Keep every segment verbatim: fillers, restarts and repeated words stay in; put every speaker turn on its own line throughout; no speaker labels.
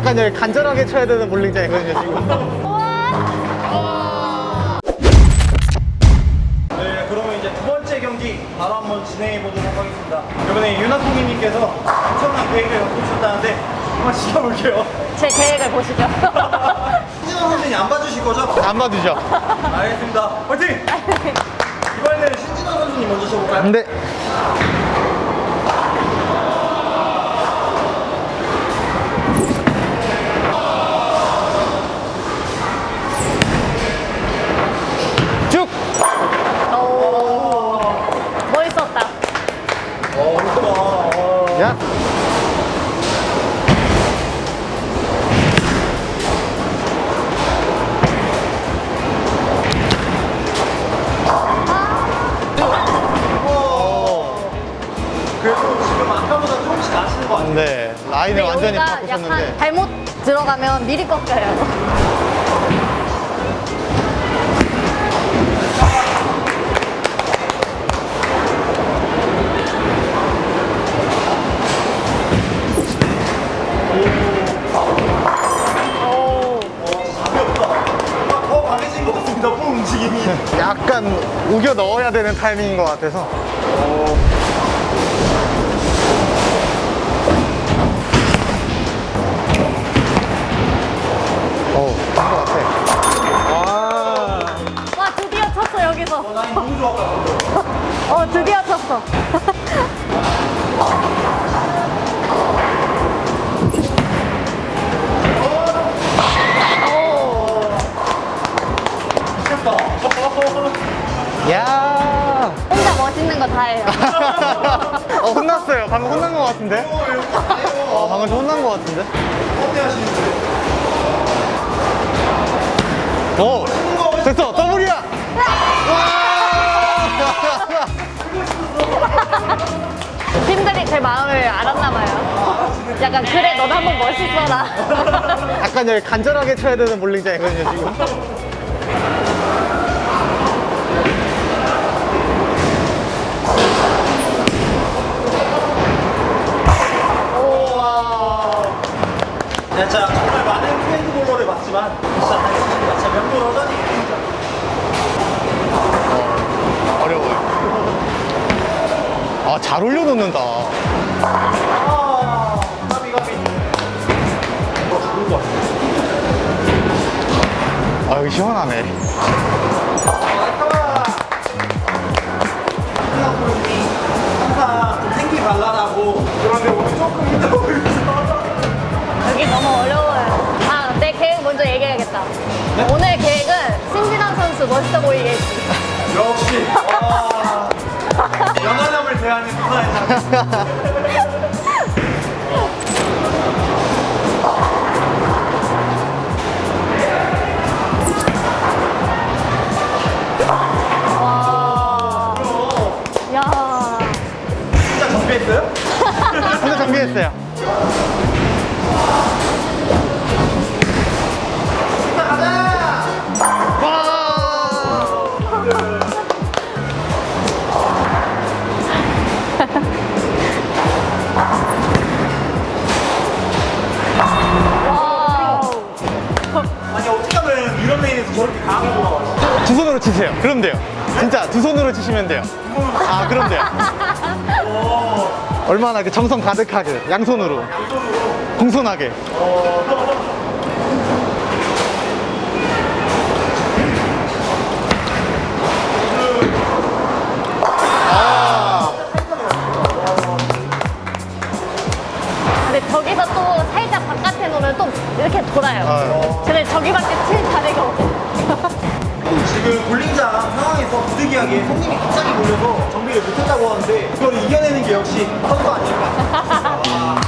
약간 여기 간절하게 쳐야 되는 볼링장이거든요 지금.
네, 그러면 이제 두 번째 경기 바로 한번 진행해 보도록 하겠습니다. 이번에 유나콩이님께서 엄청난 계획을 갖고 오셨다는데 한번 시켜볼게요.
제 계획을 보시죠.
신진호 선생님 안 봐주실 거죠?
안 봐주죠?
알겠습니다. 화이팅! 이번에는 신진호 선수님 먼저 쳐볼까요?
근데 쭉!
오, 멋있었다.
어, 이쁘다. 어.
야!
그래도 지금 아까보다 조금씩 나시는 것 같아요.
네, 라인을 완전히
여기가
바꾸셨는데.
약간 잘못 들어가면 미리 꺾여요. 오,
가볍다. 뭔가 더 강해진 것 같습니다. 볼 움직임이.
약간 우겨 넣어야 되는 타이밍인 것 같아서. 어, 한것 같아. 와.
와, 드디어 쳤어, 여기서.
어, 라인 너무 좋았다.
어, 드디어 쳤어.
미쳤다.
야.
혼자 멋있는 거 다 해요.
어, 혼났어요. 방금 혼난 것 같은데? 어, 방금 좀 혼난 것 같은데?
어때 하시는데?
오! 됐어! 더블이야! 와!
팀들이 제 마음을 알았나 봐요. 약간 그래, 너도 한번 멋있어라.
약간 여기 간절하게 쳐야 되는 볼링장이거든요, 지금.
야, 자, 정말 많은 트렌드볼러를 봤지만 진짜 잘 치신다. 진짜 명불허전이 진짜.
어려워요. 아, 잘 올려놓는다.
아, 가비 가비. 어, 죽은 것 같아.
아, 여기 시원하네.
항상 좀 생기 발랄하고 그런데 오늘 조금 힘들어 보이죠?
여기 너무 어려워요. 아, 내 계획 먼저 얘기해야겠다.
네?
오늘 계획은 신진환 선수 멋있어 보이게 했지.
역시 와, 연하남을 대하는 누나의 장.
와. 야.
진짜 정비했어요?
혼자 정비했어요. 와!
와우.
아니 어떻게 하면 이런 레인에서 저렇게 강하게 돌아와요?
두 손으로 치세요. 그럼 돼요. 진짜 두 손으로 치시면 돼요. 아, 그럼 돼요. 얼마나 그 정성 가득하게, 양손으로. 공손하게. 아,
근데 저기서 또 살짝 바깥에 놓으면 또 이렇게 돌아요.
아.
근데 저기밖에 칠 자리가 없어.
지금 볼링장 상황에서 부득이하게 손님이 갑자기 몰려서 정비를 못했다고 하는데 그걸 이겨내는 게 역시 선수 아닐까.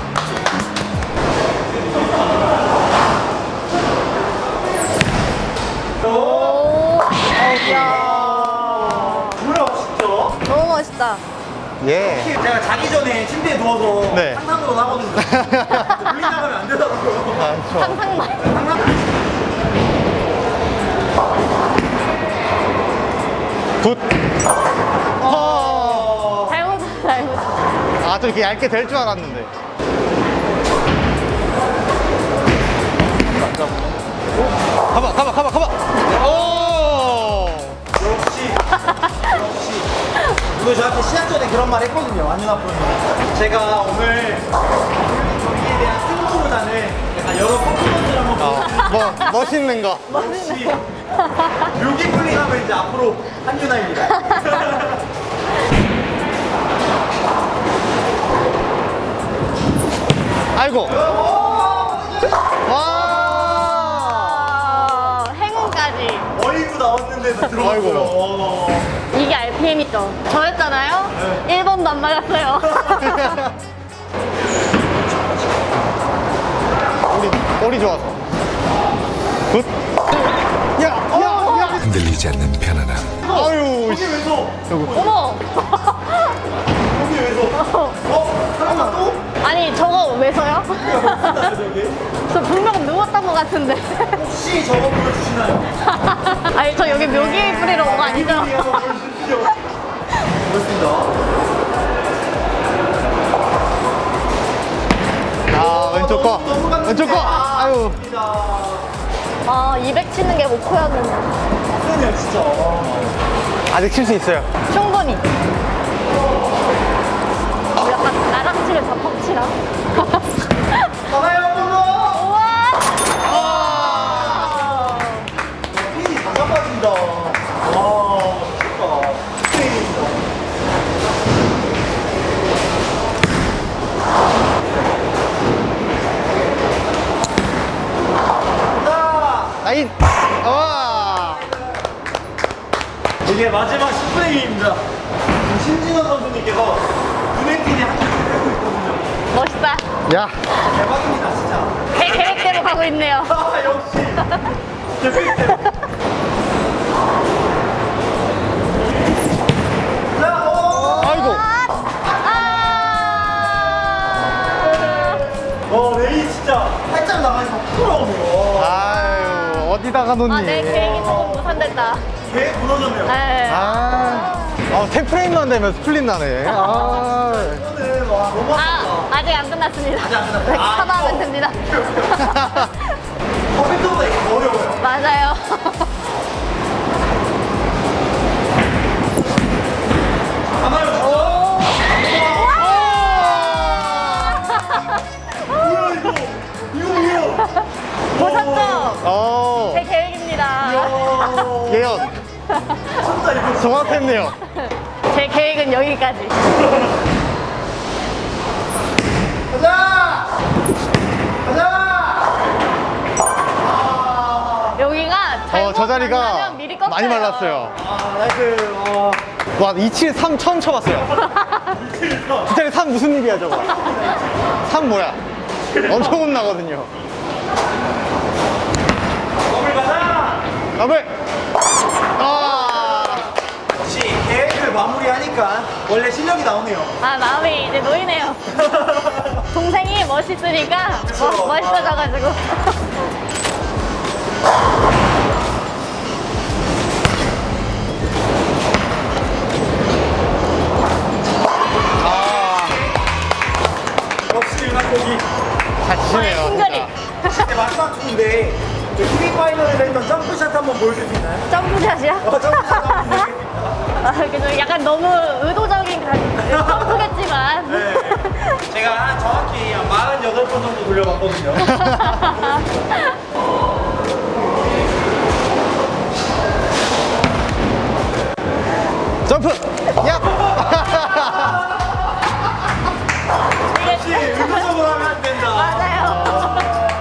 오, 이야.
뭐야 진짜?
너무 멋있다.
예.
제가 자기 전에 침대에 누워서
네.
상상으로 나거든요. 볼링 나가면 안 되더라고요.
아, 좋아.
상상만.
상상.
굿. 어.
잘못, 잘못.
아, 좀 이렇게 얇게 될 줄 알았는데. 가봐, 가봐, 가봐. 오!
역시 역시 오늘 저한테 시작 전에 그런 말 했거든요. 안윤아 프로님. 제가 오늘 경기에 대한 승부보다는 약간 여러 퍼포먼스를 한번
어,
보여드릴게요.
뭐, 멋있는 거.
역시 묘기 쿨링하면 이제 앞으로 한윤아입니다.
아이고. 와!
아, 행운까지.
어이구 나왔는데도 들어갔고요.
아이고.
어.
이게 알피엠이죠. 저였잖아요. 일 번도 안 맞았어요.
우리, 머리 좋아서. 굿. 야, 야, 야.
흔들리지 않는 편안함.
아유,
거기
씨.
왼손.
어머!
거기 왼손. 어? 잠깐만 또?
아니, 저거 왜 서요?
나 저기.
저 분명 누웠던 것 같은데.
혹시 저거 보여주시나요?
아니, 저 여기 묘기 뿌리러 온 거 아니죠?
한번 보여주십시오. 고맙습니다.
아, 왼쪽 거. 왼쪽 거. 아유.
아, 이백 치는 게 목표였는데.
빡세네요 진짜.
아직 칠 수 있어요.
충분히. 어, 약간 나랑 치면 다 펑치라.
가나요 한번 더.
우와!
아!
핀이 다 잡아진다. 와 미쳤다. 스테이입니다. 자,
나인. 와!
이게 마지막 십 프레임입니다. 신진호 선수님께서 눈에 띄게 한 개를 빼고 있거든요.
멋있다.
야.
대박입니다 진짜.
제 계획대로 가고 있네요.
아 역시. 계획대로. 자, 어.
아이고.
아!
어, 레이 진짜 살짝 나가니까 부러워요.
아유, 어디다가 놓니?
아, 내 계획이 조금 무산됐다.
계획 무너졌네요.
네.
아, 아, 세 프레임만 되면 스플릿 나네. 아.
이거는 와 너무
아, 아직 안 끝났습니다.
아직 안 끝났어요?
네,
아,
커버하면
이거.
됩니다.
컴퓨터보다 이게 더 어려워요.
맞아요.
가나요 진짜? 뭐야 이거? 이거 뭐야?
보셨죠?
어,
제 계획입니다.
어,
예언.
진짜 이거
정확했네요.
제 계획은 여기까지.
가자! 가자! 아,
여기가
어,
잘못
저 자리가
만나면 미리 꺾여요.
많이 말랐어요.
아, 나이스. 와.
와, 이칠삼 처음 쳐봤어요. 두 자리 삼 무슨 일이야, 저거. 삼 뭐야? 엄청 혼나거든요.
더블 가자!
더블! 아!
역시 계획을 마무리하니까 원래 실력이 나오네요.
아, 마음이 이제 놓이네요. 동생이 멋있으니까 뭐, 멋있어져가지고.
아,
역시 윤학곡이
잘 치시네요.
싱글이.
진짜.
이제 마지막 중인데 티비 파이널에서 했던 점프샷 한번 보여줄 수 있나요?
점프샷이야?
어, 점프샷 한번 보여드리겠습니다.
아, 그죠. 약간 너무 의도적인 가- 점프겠지만.
네. 제가 한 정확히 한 사십팔 번 정도 돌려봤거든요.
점프! 야!
역시 의도적으로 하면 안 된다.
맞아요.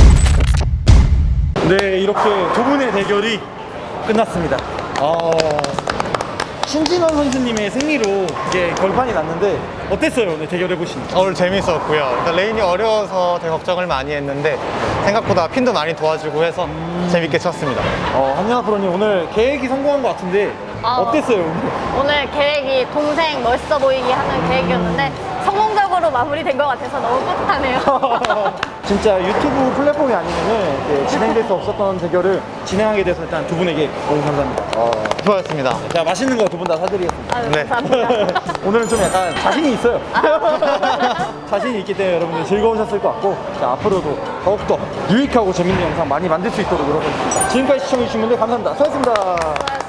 네, 이렇게 두 분의 대결이 끝났습니다. 어, 신진원 선수님의 승리로 이제 결판이 났는데 어땠어요? 오늘 대결해 보시니까.
오늘 재밌었고요. 일단 레인이 어려워서 되게 걱정을 많이 했는데 생각보다 핀도 많이 도와주고 해서 재밌게 쳤습니다.
어, 한연아 프로님 오늘 계획이 성공한 것 같은데
어.
어땠어요? 오늘?
오늘 계획이 동생 멋있어 보이게 하는 계획이었는데 성공적으로 성공적으로 마무리된 것 같아서 너무 뿌듯하네요.
진짜 유튜브 플랫폼이 아니면은 이렇게 진행될 수 없었던 대결을 진행하게 돼서 일단 두 분에게 너무 감사합니다.
수고하셨습니다.
제가 맛있는 거 두 분 다 사드리겠습니다.
아유,
네.
감사합니다.
오늘은 좀 약간 자신이 있어요. 자신이 있기 때문에 여러분들 즐거우셨을 것 같고 자, 앞으로도 더욱더 유익하고 재밌는 영상 많이 만들 수 있도록 노력하겠습니다. 지금까지 시청해주신 분들 감사합니다. 수고하셨습니다.